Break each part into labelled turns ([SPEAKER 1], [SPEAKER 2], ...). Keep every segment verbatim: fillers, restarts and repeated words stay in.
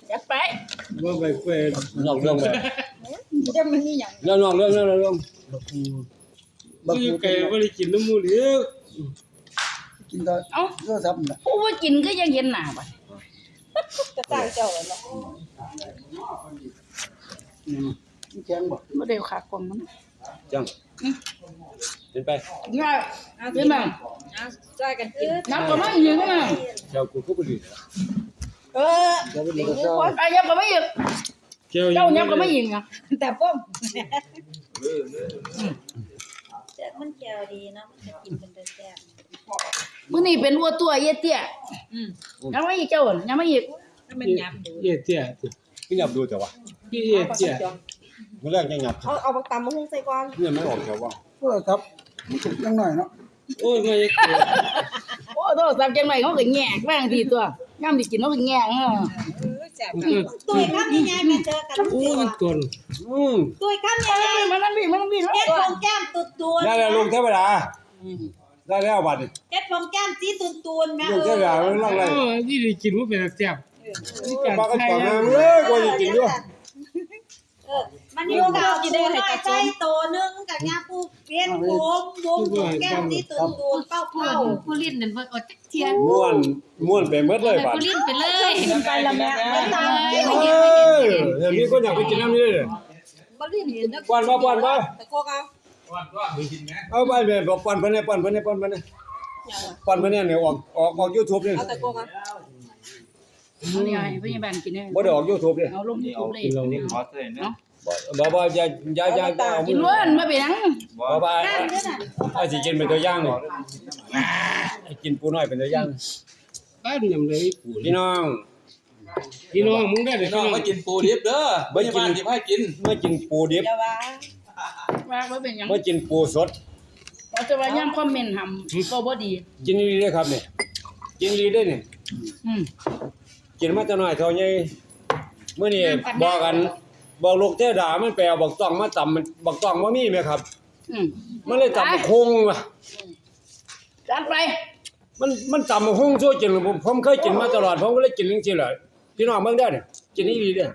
[SPEAKER 1] จัดไป
[SPEAKER 2] ว่าไปเฟน
[SPEAKER 3] นอกเรื่องไป
[SPEAKER 1] จะมันนี่หยัง
[SPEAKER 3] เรื่องนอกเรื่องเรื่องเรื่อง
[SPEAKER 4] บักคู
[SPEAKER 2] บั
[SPEAKER 4] บั
[SPEAKER 2] ก
[SPEAKER 4] ก
[SPEAKER 2] อยู่
[SPEAKER 4] คู
[SPEAKER 2] ไก่บ่ได้กินน้ำมูกเด้อ
[SPEAKER 4] กินก็
[SPEAKER 1] เอ้า
[SPEAKER 4] โทรศัพท์นั่นแหละ
[SPEAKER 1] ผู้ว่ากินก็ยังเห็นหน้าบ่จะจ้างเจ้าแล้วเนาะ
[SPEAKER 4] อืมแข็งบ่
[SPEAKER 1] บ่ได้ขากลมมัน
[SPEAKER 3] จังเป็นไป
[SPEAKER 1] ง่ายเห็นมั้ย
[SPEAKER 5] เอาช่วยกันกิน
[SPEAKER 1] น้ำก็ไม่ยิงนะ
[SPEAKER 3] เจ้ากูก็บ่ดี
[SPEAKER 1] เออ
[SPEAKER 4] เดี๋ยวไปดูก็เศร้า
[SPEAKER 1] ไอ้ยับก็ไม่ยิง
[SPEAKER 2] เจ้า
[SPEAKER 1] เจ้ายับก็ไม่ยิงอ่ะ
[SPEAKER 5] แต่ป้อมแซ่บมันแก้วดีเนาะมันจะกินเป็นแต่แซ่บ
[SPEAKER 1] มื้อนี้เป็นวัวตัวเยเตี้ย
[SPEAKER 5] อืม
[SPEAKER 1] ยังไม่อีกเจ้ายังไม่อีก
[SPEAKER 5] ให้มันหยับดู
[SPEAKER 2] เยี่ยเตี้ย
[SPEAKER 3] พี่หยับดูแต่ว่า
[SPEAKER 2] พี่เยี่ยเตี้ย
[SPEAKER 3] มื้อแรกยังหยับ
[SPEAKER 5] เอาเอาบักตำมาหุงใส่ก่อน
[SPEAKER 3] เนี่ยไม่ออกแถวว่า
[SPEAKER 4] โทรศัพท์มันสุกยังหน่อยเนาะ
[SPEAKER 2] โอ้ยไม่เกิด
[SPEAKER 1] โอ้โทรศัพท์จังได๋เขาก็แง่แม่งทีตัวยามสิกินเขาก็แง่เออ
[SPEAKER 5] เออแซ่บตุ้ยครับยังไงมาเจอกัน
[SPEAKER 2] โอ้ยตน
[SPEAKER 3] อืม
[SPEAKER 5] ตุ้ยครับยังไง
[SPEAKER 1] มันนั่นพี่มันนั่นพี่
[SPEAKER 5] เฮ็ดพงแก้มตุ่นๆ
[SPEAKER 3] ได้แล้วลุงเทวดาได้แล้วบัดนี้
[SPEAKER 5] เฮ็ดพงแก้มสีตุ่นๆแม่
[SPEAKER 3] ลุง
[SPEAKER 5] เอ
[SPEAKER 3] เทว
[SPEAKER 5] อ
[SPEAKER 3] ดามันนั่งไร
[SPEAKER 2] โอ้ยนี่ได้กินว่าเป็นแซ่บนี่การ
[SPEAKER 3] ปากก็
[SPEAKER 2] ไทย
[SPEAKER 3] ปาก
[SPEAKER 2] นะ
[SPEAKER 3] มาเลยกว่าจะกินด้วย
[SPEAKER 5] เออมันนี่ก็เอากินได้ให้กระใจโตนึงกับยาปูเปลี่ยนผมวงแก้มสีตุ่นๆเป้า
[SPEAKER 6] ผู้ลิ้นนั่นเพิ่นอดจักเที่ย
[SPEAKER 3] ม่วนม่วนไปหมดเลยบัด
[SPEAKER 6] ผู้ลิ้นไปเลย
[SPEAKER 5] ไปละแม่มันตาม
[SPEAKER 3] เออเดี๋ยวมีคนอยากไปกินน้ำนี่เลย
[SPEAKER 5] บ่รีบกินนะ
[SPEAKER 3] ป้อนมาป้อนมา
[SPEAKER 5] ตะโกกเอา
[SPEAKER 3] เอาไปเลยบอกป้อนเพิ่นให้ป้อนเพิ่นให้ป้อนเพิ่นให้ป้อนเพิ่นเนี่ยเนี่ยออกออกออก YouTube นี่
[SPEAKER 5] เอาตะโกกเอา
[SPEAKER 1] เอานี่ให้พยาบาลกินได้
[SPEAKER 3] บ่ได้ออก YouTube นี่
[SPEAKER 1] เอาลง YouTube เลย
[SPEAKER 2] กินเรา
[SPEAKER 7] นี่ขอเตือนนะ
[SPEAKER 3] บ่บ่อย่าอย่าอย่าเอา
[SPEAKER 1] กินล้วนมาเป็นหยัง
[SPEAKER 3] บ่บ่ไอ้สิกินเป็นตัวอย่างนี่ไอ้กินปูน้อยเป็นตัวอย่าง
[SPEAKER 2] บ้านยำเลยปู
[SPEAKER 3] พี่น้อง
[SPEAKER 2] พี่น้องมึงได้เลย
[SPEAKER 7] น้
[SPEAKER 2] พี่
[SPEAKER 7] อง
[SPEAKER 2] น้อง
[SPEAKER 7] มากินปูดิบเด้อบ่กินดิบให้กิน
[SPEAKER 3] เมื่อกินปูดิบ
[SPEAKER 5] อย่าว่า
[SPEAKER 1] ว่าบ่เป็นหยัง
[SPEAKER 3] เมื่อกินปูสด
[SPEAKER 1] เราจะว่ายามคอมเมนต์หำก็บ่ดี
[SPEAKER 3] กินดีเด้อครับนี่กินดีเด้อนี่
[SPEAKER 1] อืม
[SPEAKER 3] กินมาแต่น้อยเท่าใหญ่มื้อนี้บอกกันบอกลูกเทวดามันไปเอาบักต้องมาตำมันบักต้องบ่มีแม่ครับ
[SPEAKER 1] อืม
[SPEAKER 3] มันเลยตำคงว่ะ
[SPEAKER 1] จัดไป
[SPEAKER 3] มันมันตำคงชั่วจริงผมผมเคยกินมาตลอดผมก็เลยกินจังซี่แหละพี่น้องเบิ่งได้อนี่กินดีเด้อ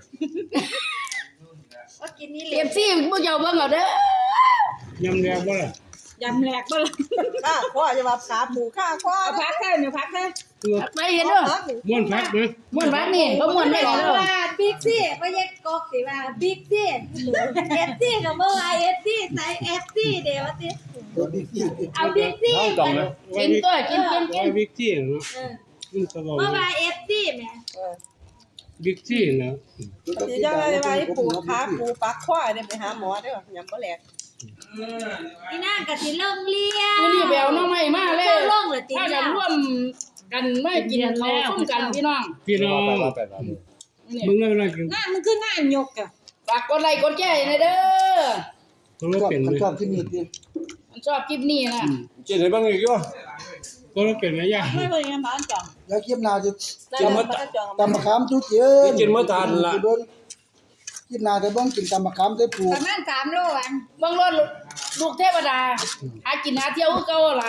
[SPEAKER 5] ว่ากินนี่
[SPEAKER 1] เตรียมซี่พวกเจ้าเบิ่งเอาเด้อย
[SPEAKER 2] ำแดงบ่ล่ะ
[SPEAKER 5] ยำแหลกบ่ล่ะข้าพ่อจะมาขาหมูข้าพ่อพักแค่เนี่ยพักแค่
[SPEAKER 1] จัดไปเห็นเด้อ
[SPEAKER 2] ม้วนพักนะ
[SPEAKER 1] ม่วนบักนี่เขาม่วนได้เด้อ
[SPEAKER 5] ว่าบิ๊กซี่บ่แยกกอกสิว่าบิ๊กซี่เอฟซี่ก็บ่ว่าเอฟซี่ใส่เอฟซี่เด้ว่าติ
[SPEAKER 4] ตัวบิ๊กซี่
[SPEAKER 5] เอาบิ๊กซี่
[SPEAKER 3] น้องต้องนะ
[SPEAKER 1] กินตัวกินกินกิ
[SPEAKER 2] ว่าน วิกซี่เนาะ
[SPEAKER 5] เออ
[SPEAKER 2] มันตลอด
[SPEAKER 5] บ่ว่าเอฟซี่แม่
[SPEAKER 2] วิกซี่นะ
[SPEAKER 4] เดี๋ยวจะไปไปปวดขาปวด
[SPEAKER 8] ปักข้อเนี่ยไปหาหมอเด้อยำบ่แหลก
[SPEAKER 5] พี่นางก็สิเริ่มเลี้ยง
[SPEAKER 1] มื้อนี้ไปเอาน้องใหม่มาเลย
[SPEAKER 5] เจ้าลงเลยติ
[SPEAKER 1] ถ้ากันร่วมกันมากินข้าวซุ่มกันพี่น้อง
[SPEAKER 2] พี่น้อง
[SPEAKER 3] ไปๆ
[SPEAKER 1] นี่
[SPEAKER 2] มึงได้เวลากิน
[SPEAKER 5] งานมันคืองานยกอ่ะ
[SPEAKER 1] ฝากกดไลค์กดแชร์ให้เด้อ
[SPEAKER 2] ตัวเรา
[SPEAKER 4] ชอบ
[SPEAKER 2] เป็น
[SPEAKER 4] มัน
[SPEAKER 2] เลย
[SPEAKER 4] ชอบที่นี่ดิ
[SPEAKER 1] มันชอบคลิปนี้นะ
[SPEAKER 3] ๆกินให้เบิ่งอีกอยู่
[SPEAKER 2] ตัวเราเป็นไหมย่า
[SPEAKER 5] ไม่บ่ยังบ้านจ่อง
[SPEAKER 4] แล้วเก็บนาจะ
[SPEAKER 3] จะมา
[SPEAKER 4] ตำมะขามจุ๊เจือ
[SPEAKER 3] กินมื้อทานล่ะ
[SPEAKER 4] เบิ่งกินนาแต่เบิ่งกินตำมะขามได้ปลูก
[SPEAKER 5] ประมาณสามโลอัน
[SPEAKER 1] เบิ่งรถลูกเทวดาหากินหาเที่ยวคือเก่าล่ะ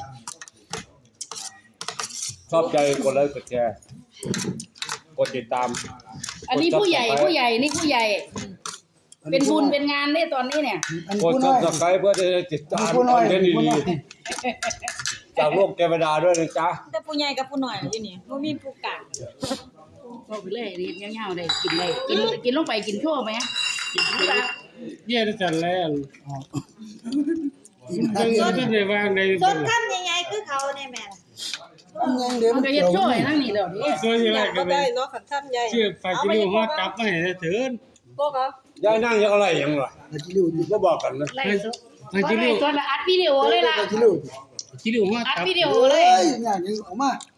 [SPEAKER 3] ชอบใจกดไลค์กดแชร์กดติดตาม
[SPEAKER 1] อันนี้ผู้ใหญ่ผู้ใหญ่นี่ผู้ใหญ่ เป็นบุญเป็นงานได้ตอนนี้เนี่ย
[SPEAKER 4] อัน
[SPEAKER 3] กด
[SPEAKER 4] ผู้น้อย
[SPEAKER 3] Subscribe เพื่อจะได้ติดตาม
[SPEAKER 4] ผู้
[SPEAKER 3] ค
[SPEAKER 4] น้อ
[SPEAKER 3] อย นเทนต์
[SPEAKER 4] ผู้
[SPEAKER 3] ดี
[SPEAKER 4] น้อย
[SPEAKER 3] ๆจากโลกเทวดาด้วยนะจ๊ะ
[SPEAKER 5] แต่ผู้ใหญ่กับผู้น้อยอยู่นี่บ่มีผู้กลาง
[SPEAKER 1] ก็ไปเลยรีบเงาๆได้กินได้กินกินลงไปกินโชว์ไหมกินปลา
[SPEAKER 2] เยี่ยได้จันแล้วมึงก็จะได้วางใน
[SPEAKER 5] ส่วนคำใหญ่ๆคือเขาเนี่ยแม่
[SPEAKER 4] อันยังเดี๋ยว
[SPEAKER 1] มั
[SPEAKER 4] มัน น
[SPEAKER 1] ก็
[SPEAKER 4] เกี่
[SPEAKER 1] เฮ็
[SPEAKER 4] ย
[SPEAKER 1] ด
[SPEAKER 4] ว
[SPEAKER 1] โชว์ให้นั่งนี่เดี๋ยวนี้
[SPEAKER 2] ส่วนใหญ่ก็
[SPEAKER 8] ก็
[SPEAKER 2] เป็
[SPEAKER 8] ได้
[SPEAKER 2] น
[SPEAKER 8] เนาะขันท่านใหญ่
[SPEAKER 2] เชื่อฝากกิโลฮอดกลับมาให้ได้เถิน
[SPEAKER 8] พวกเอา
[SPEAKER 3] ยายนั่งยังอะไรยังล่ะ
[SPEAKER 4] อาจิลิวดิ
[SPEAKER 3] บ่บอกกันนะ
[SPEAKER 1] ไล่สด
[SPEAKER 2] ฝากกิโล
[SPEAKER 1] ไล่สดแล้วอัดวิดีโอเลยล่ะ
[SPEAKER 4] อาจิลิว
[SPEAKER 2] กิโลฮอด
[SPEAKER 1] อัด
[SPEAKER 2] กลับ
[SPEAKER 1] วิดีโอ
[SPEAKER 4] โอ้
[SPEAKER 1] เลย
[SPEAKER 4] ยอย่างนี้ออกมา